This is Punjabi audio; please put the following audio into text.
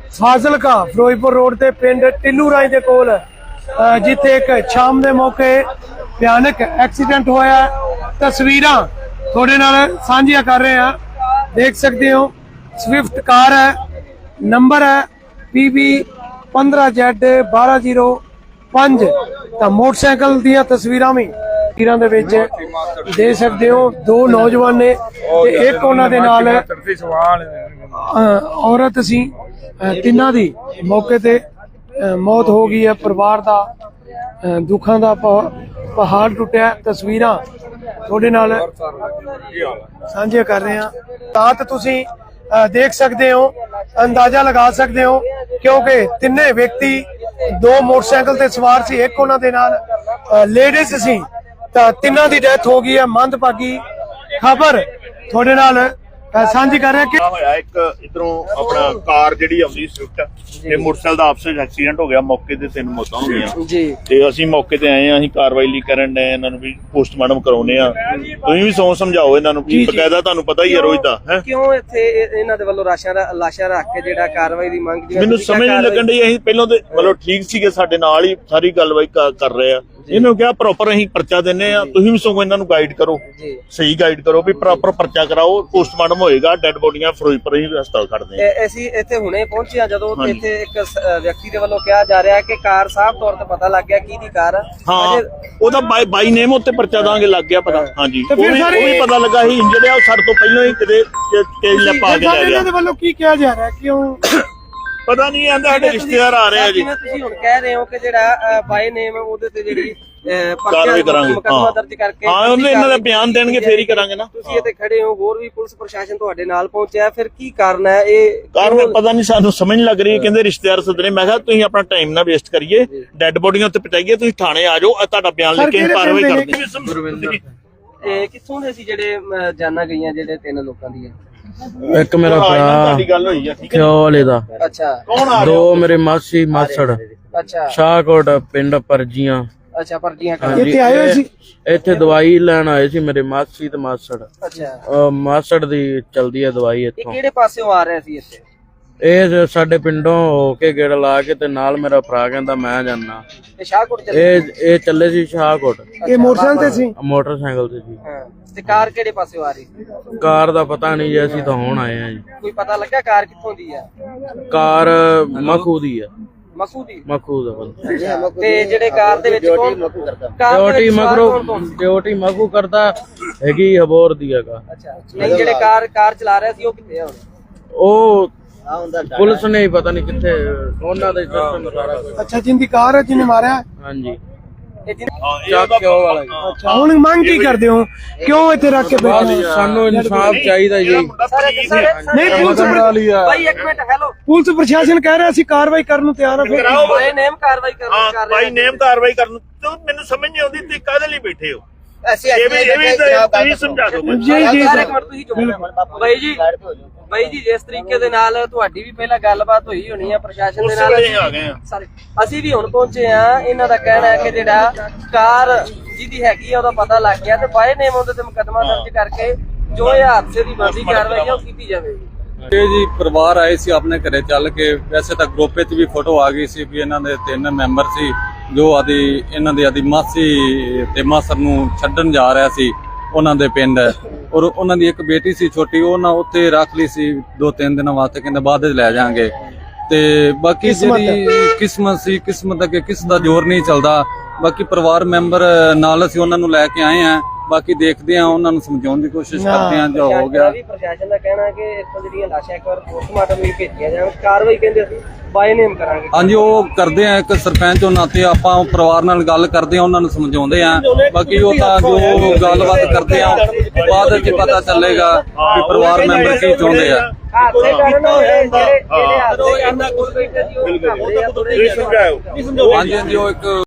ਫਾਜ਼ਿਲਕਾ ਫਿਰੋਜ਼ਪੁਰ ਰੋਡ ਤੇ ਪਿੰਡ ਟਿੱਲੂ ਰਾਏ ਦੇ ਕੋਲ ਜਿੱਥੇ ਇੱਕ ਸ਼ਾਮ ਦੇ ਮੌਕੇ ਭਿਆਨਕ ਐਕਸੀਡੈਂਟ ਹੋਇਆ। ਤਸਵੀਰਾਂ ਤੁਹਾਡੇ ਨਾਲ ਸਾਂਝੀਆਂ ਕਰ ਰਹੇ ਹਾਂ। देख सकते हो स्विफ्ट कार है, नंबर है PB 15Z1205। तो मोटरसाइकिल दियां तस्वीरां भी दे विच दे सकते हो। दो नौजवान ने ते एक उन्हां दे नाल औरत सी। तिन्हां दी मौके ते मौत हो गई है। परिवार दा दुखां दा पहाड़ टुटिया। तस्वीरां थोड़े नाल साझे कर रहे हैं। रात तुसी देख सकते हो, अंदाजा लगा सकते हो क्योंकि तिन्ने व्यक्ति दो मोटरसाइकिल ते सवार सी, एक उन्हां दे नाल लेडीज सी। तां तिन्हां दी डेथ हो गई है। मंदभागी खबर थोड़े नाल ਸਾਂਝੀ ਕਰ ਰਿਹਾ ਕਿ ਇੱਕ ਇਧਰੋਂ ਆਪਣਾ ਕਾਰ ਜਿਹੜੀ ਆਉਂਦੀ ਸਵਿਫਟ ਤੇ ਮੋਟਰਸਾਈਕਲ ਦਾ ਆਪਸ ਵਿੱਚ ਐਕਸੀਡੈਂਟ ਹੋ ਗਿਆ। ਮੌਕੇ ਤੇ 3 ਮੌਤਾਂ ਹੋ ਗਈਆਂ ਜੀ। ਤੇ ਅਸੀਂ ਮੌਕੇ ਤੇ ਆਏ ਆ, ਅਸੀਂ ਕਾਰਵਾਈ ਲਈ ਕਰਨ ਦੇ ਇਹਨਾਂ ਨੂੰ ਵੀ ਪੋਸਟਮਾਰਟਮ ਕਰਾਉਣੇ ਆ। ਤੁਸੀਂ ਵੀ ਸੌਂ ਸਮਝਾਓ ਇਹਨਾਂ ਨੂੰ ਕਿ ਬਕਾਇਦਾ ਤੁਹਾਨੂੰ ਪਤਾ ਹੀ ਹੈ ਰੋਜ਼ ਦਾ ਹੈ ਕਿਉਂ ਇੱਥੇ ਇਹਨਾਂ ਦੇ ਵੱਲੋਂ ਲਾਸ਼ਾਂ ਰੱਖ ਕੇ ਜਿਹੜਾ ਕਾਰਵਾਈ ਦੀ ਮੰਗ ਮੈਨੂੰ ਸਮਝ ਨਹੀਂ ਲੱਗਣ ਡਈ। ਅਸੀਂ ਪਹਿਲਾਂ ਤੇ ਮਤਲਬ ਠੀਕ ਸੀਗੇ, ਸਾਡੇ ਨਾਲ ਹੀ ਸਾਰੀ ਗੱਲਬਾਤ ਕਰ ਰਹੇ ਆ। ਇਹਨੂੰ ਕਿਹਾ ਪ੍ਰੋਪਰ ਅਸੀਂ ਪਰਚਾ ਦਿੰਨੇ ਆ, ਤੁਸੀਂ ਵੀ ਸਗੋਂ ਇਹਨਾਂ ਨੂੰ ਗਾਈਡ ਕਰੋ, ਸਹੀ ਗਾਈਡ ਕਰੋ ਵੀ ਪ੍ਰੋਪਰ ਪਰਚਾ ਕਰਾਓ। ਪੋਸਟਮਾਰਟਮ ਹੋਏਗਾ, ਡੈਡ ਬੋਡੀਆਂ ਫਿਰੋਜ਼ਪੁਰ ਹੀ ਹਸਪਤਾਲ ਖੜਦੇ ਆ। ਅਸੀਂ ਇੱਥੇ ਹੁਣੇ ਪਹੁੰਚੇ ਆ ਜਦੋਂ ਇੱਥੇ ਇੱਕ ਵਿਅਕਤੀ ਦੇ ਵੱਲੋਂ ਕਿਹਾ ਜਾ ਰਿਹਾ ਕਿ ਕਾਰ ਸਾਫ਼ ਤੌਰ ਤੇ ਪਤਾ ਲੱਗ ਗਿਆ ਕਿਹਦੀ ਕਾਰ। ਹਾਂ, ਉਹਦਾ ਬਾਈ ਨੇਮ ਉੱਤੇ ਪਰਚਾ ਦਾਂਗੇ, ਲੱਗ ਗਿਆ ਪਤਾ। ਹਾਂਜੀ, ਉਹ ਵੀ ਪਤਾ ਲੱਗਾ ਸੀ ਇੰਜਰਡ ਆ। ਉਹ ਸਾਡੇ ਤੋਂ ਪਹਿਲਾਂ ਹੀ ਕਿਤੇ ਕੇਜ ਲੈ ਪਾ ਕੇ ਲੈ ਗਿਆ। ਇਹਨਾਂ ਦੇ ਵੱਲੋਂ ਕੀ ਕਿਹਾ ਜਾ ਰਿਹਾ, ਕਿਉਂ ਪਤਾ ਨਹੀਂ ਆਂਦਾ। ਸਾਡੇ ਰਿਸ਼ਤੇਦਾਰ ਆ ਰਹੇ ਆ ਜੀ। ਤੁਸੀਂ ਹੁਣ ਕਹਿ ਰਹੇ ਹੋ ਕਿ ਜਿਹੜਾ ਬਾਈ ਨੇਮ ਉਹਦੇ ਤੇ ਜਿਹੜੀ ਕਾਰਵਾਈ ਕਰਾਂਗੇ। ਮੁਕੱਦਮਾ ਦਰਜ ਕਰਕੇ ਹਾਂ, ਉਹਨੇ ਇਹਨਾਂ ਦਾ ਬਿਆਨ ਦੇਣਗੇ ਫੇਰ ਹੀ ਕਰਾਂਗੇ ਨਾ। ਤੁਸੀਂ ਇੱਥੇ ਖੜੇ ਹੋ, ਹੋਰ ਵੀ ਪੁਲਿਸ ਪ੍ਰਸ਼ਾਸਨ ਤੁਹਾਡੇ ਨਾਲ ਪਹੁੰਚਿਆ, ਫਿਰ ਕੀ ਕਾਰਨ ਹੈ? ਇਹ ਕਾਰਨ ਪਤਾ ਨਹੀਂ, ਸਾਨੂੰ ਸਮਝ ਨਹੀਂ ਲੱਗ ਰਹੀ। ਕਹਿੰਦੇ ਰਿਸ਼ਤੇਦਾਰ ਸੱਦਣੇ। ਮੈਂ ਕਿਹਾ ਤੁਸੀਂ ਆਪਣਾ ਟਾਈਮ ਨਾ ਵੇਸਟ ਕਰੀਏ, ਡੈਡ ਬੋਡੀਆਂ ਉੱਤੇ ਪਹੁੰਚਾਈਏ। ਤੁਸੀਂ ਥਾਣੇ ਆ ਜਾਓ, ਤੁਹਾਡਾ ਬਿਆਨ ਲਿਖ ਕੇ ਕਾਰਵਾਈ ਕਰਦੇ। ਇਹ ਕਿੱਥੋਂ ਦੇ ਸੀ ਜਿਹੜੇ ਜਾਨਾਂ ਗਈਆਂ ਜਿਹੜੇ 3 ਲੋਕਾਂ ਦੀਆਂ? ਇੱਕ ਮੇਰਾ ਭਰਾ ਗੱਲ ਹੋਈ ਆ, ਠੀਕ ਹੈ। ਵਾਲੇ ਦਾ। ਅੱਛਾ। ਦੋ ਮੇਰੇ ਮਾਸੀ ਮਾਸੜ ਅੱਛਾ। ਸ਼ਾਹਕੋਟ ਪਿੰਡ ਪਰਜੀਆਂ। ਅੱਛਾ, ਪਰਚੀਆਂ ਇੱਥੇ ਆਏ ਹੋਏ ਸੀ। ਇੱਥੇ ਦਵਾਈ ਲੈਣ ਆਏ ਸੀ ਮੇਰੇ ਮਾਸੀ ਤੇ ਮਾਸੜ। ਅੱਛਾ। ਮਾਸੜ ਦੀ ਚਲਦੀ ਹੈ ਦਵਾਈ ਇਹ ਇੱਥੋਂ। ਕਿਹੜੇ ਪਾਸਿਓਂ ਆ ਰਿਹਾ ਸੀ ਇੱਥੇ? ਇਹ ਸਾਡੇ ਪਿੰਡੋਂ ਹੋ ਕੇ ਗੇੜ ਲਾ ਕੇ ਤੇ ਨਾਲ ਮੇਰਾ ਭਰਾ ਕਹਿੰਦਾ ਮੈਂ ਜਾਣਾ। ਇਹ ਸ਼ਾਹਕੋਟ ਚੱਲੇ? ਇਹ ਚੱਲੇ ਸੀ ਸ਼ਾਹਕੋਟ। ਇਹ ਮੋਟਰਸਾਈਕਲ ਤੇ ਸੀ? ਮੋਟਰਸਾਈਕਲ ਤੇ ਸੀ। ਹਾਂ, ਤੇ ਕਾਰ ਕਿਹੜੇ ਪਾਸਿਓਂ ਆ ਰਹੀ ਸੀ? ਕਾਰ ਦਾ ਪਤਾ ਨਹੀਂ ਜੀ, ਅਸੀਂ ਤਾਂ ਹੁਣ ਆਏ ਆ ਜੀ। ਕੋਈ ਪਤਾ ਲੱਗਾ ਕਾਰ ਕਿੱਥੋਂ ਦੀ ਆ? ਕਾਰ ਮਖੂ ਦੀ ਆ। ਮਖੂ ਦੀ? ਮਖੂ ਦਾ ਬੰਦਾ। ਤੇ ਜਿਹੜੇ ਕਾਰ ਦੇ ਵਿੱਚ ਕੌਣ ਡਿਊਟੀ ਮਖੂ ਕਰਦਾ ਹੈਗੀ ਹਬੋਰ ਦੀ ਹੈਗਾ। ਅੱਛਾ। ਨਹੀਂ, ਜਿਹੜੇ ਕਾਰ ਚਲਾ ਰਿਹਾ ਸੀ ਉਹ ਕਿੱਥੇ ਆ ਹੁਣ? ਉਹ ਪੁਲਿਸ ਨੇ ਹੀ ਪਤਾ ਨਹੀਂ ਕਿੱਥੇ, ਉਹਨਾਂ ਦੇ ਸਿਸਟਮ ਸਾਰਾ ਕੁਝ। ਅੱਛਾ, ਜਿੰਦੀ ਕਾਰ ਹੈ ਜਿਹਨੇ ਮਾਰਿਆ? ਹਾਂਜੀ। ਅੱਛਾ, ਹੁਣ ਮੰਗ ਕੀ ਕਰਦੇ ਹੋ? ਕਿਉਂ ਇੱਥੇ ਰੱਖ ਕੇ ਬੈਠੇ? ਸਾਨੂੰ ਇਨਸਾਫ ਚਾਹੀਦਾ ਜੀ। ਨਹੀਂ, ਪੁਲਿਸ ਭਾਈ ਇੱਕ ਮਿੰਟ, ਹੈਲੋ। ਪੁਲਿਸ ਪ੍ਰਸ਼ਾਸਨ ਕਹਿ ਰਿਹਾ ਸੀ ਕਾਰਵਾਈ ਕਰਨ ਨੂੰ ਤਿਆਰ ਹੈ। ਬਾਈ ਨੇਮ ਕਾਰਵਾਈ ਕਰ ਬਾਈ ਨੇਮ ਕਾਰਵਾਈ ਕਰਨ। ਮੈਨੂੰ ਸਮਝ ਨਹੀਂ ਆਉਂਦੀ ਤੁਸੀਂ ਕਾਹਦੇ ਲਈ ਬੈਠੇ ਹੋ। ਅਸੀਂ ਤੁਸੀਂ ਸਮਝਾ ਦਿਓ। ਬਾਈ ਜੀ ਜਿਸ ਤਰੀਕੇ ਦੇ ਨਾਲ ਤੁਹਾਡੀ ਵੀ ਪਹਿਲਾਂ ਗੱਲਬਾਤ ਹੋਈ ਹੋਣੀ ਆ ਪ੍ਰਸ਼ਾਸਨ ਦੇ ਨਾਲ, ਅਸੀਂ ਵੀ ਹੁਣ ਪਹੁੰਚੇ ਆ। ਇਹਨਾਂ ਦਾ ਕਹਿਣਾ ਹੈ ਕਿ ਜਿਹੜਾ ਕਾਰ ਜਿਹਦੀ ਹੈਗੀ ਆ ਉਹਦਾ ਪਤਾ ਲੱਗ ਗਿਆ ਤੇ ਬਾਈ ਨੇਮ ਉਹਦੇ ਤੇ ਮੁਕੱਦਮਾ ਦਰਜ ਕਰਕੇ ਜੋ ਇਹ ਹਾਦਸੇ ਦੀ ਬਣਦੀ ਕਾਰਵਾਈ ਉਹ ਕੀਤੀ ਜਾਵੇਗੀ। ਇਹ ਜੀ ਪਰਿਵਾਰ ਆਏ ਸੀ ਆਪਣੇ ਘਰੇ ਚੱਲ ਕੇ। ਵੈਸੇ ਤਾਂ ਗਰੁੱਪ ਵਿੱਚ ਵੀ ਫੋਟੋ ਆ ਗਈ ਸੀ ਵੀ ਇਹਨਾਂ ਦੇ 3 ਮੈਂਬਰ ਸੀ ਜੋ ਇਹਨਾਂ ਦੀ ਆਦੀ ਮਾਸੀ ਤੇ ਮਾਸਰ ਨੂੰ ਛੱਡਣ ਜਾ ਰਿਹਾ ਸੀ ਉਹਨਾਂ ਦੇ ਪਿੰਡ। ਔਰ ਉਹਨਾਂ ਦੀ ਇੱਕ ਬੇਟੀ ਸੀ ਛੋਟੀ, ਉਹਨਾਂ ਉੱਥੇ ਰੱਖ ਲਈ ਸੀ 2-3 ਦਿਨਾਂ ਵਾਸਤੇ, ਕਹਿੰਦੇ ਬਾਅਦ ਵਿੱਚ ਲੈ ਜਾਾਂਗੇ। ਤੇ ਬਾਕੀ ਜਿਹੜੀ ਕਿਸਮਤ ਸੀ, ਕਿਸਮਤ ਅੱਗੇ ਕਿਸ ਦਾ ਜ਼ੋਰ ਨਹੀਂ ਚੱਲਦਾ। ਬਾਕੀ ਪਰਿਵਾਰ ਮੈਂਬਰ ਨਾਲ ਅਸੀਂ ਉਹਨਾਂ ਨੂੰ ਲੈ ਕੇ ਆਏ ਆ। ਬਾਕੀ ਦੇਖਦੇ ਆ, ਉਹਨਾਂ ਨੂੰ ਸਮਝਾਉਣ ਦੀ ਕੋਸ਼ਿਸ਼ ਕਰਦੇ ਆ ਜੋ ਹੋ ਗਿਆ। ਪ੍ਰਸ਼ਾਸਨ ਦਾ ਕਹਿਣਾ ਹੈ ਕਿ ਇੱਥੋਂ ਜਿਹੜੀਆਂ ਲਾਸ਼ਾਂ ਇੱਕ ਵਾਰ ਪੋਸਟਮਾਰਟਮ ਲਈ ਭੇਜੀਆਂ ਜਾਣ, ਕਾਰਵਾਈ ਕਹਿੰਦੇ ਅਸੀਂ ਬਾਈ ਨੇਮ ਕਰਾਂਗੇ। ਹਾਂਜੀ, ਉਹ ਕਰਦੇ ਆ। ਇੱਕ ਸਰਪੰਚ ਉਹਨਾਂ ਤੇ ਆਪਾਂ ਪਰਿਵਾਰ ਨਾਲ ਗੱਲ ਕਰਦੇ ਆ, ਉਹਨਾਂ ਨੂੰ ਸਮਝਾਉਂਦੇ ਆ। ਬਾਕੀ ਉਹ ਤਾਂ ਜੋ ਗੱਲਬਾਤ ਕਰਦੇ ਆ ਬਾਅਦ ਵਿੱਚ ਪਤਾ ਚੱਲੇਗਾ ਕਿ ਪਰਿਵਾਰ ਮੈਂਬਰ ਕੀ ਚਾਹੁੰਦੇ ਆ। ਹਾਦਸੇ ਕਾਰਨ ਜਿਹੜੇ ਹਾਦਸੇ ਕਰਨ ਦਾ ਕੋਈ ਬੈਠੇ ਸੀ ਉਹ ਬਿਲਕੁਲ। ਹਾਂਜੀ, ਉਹ ਇੱਕ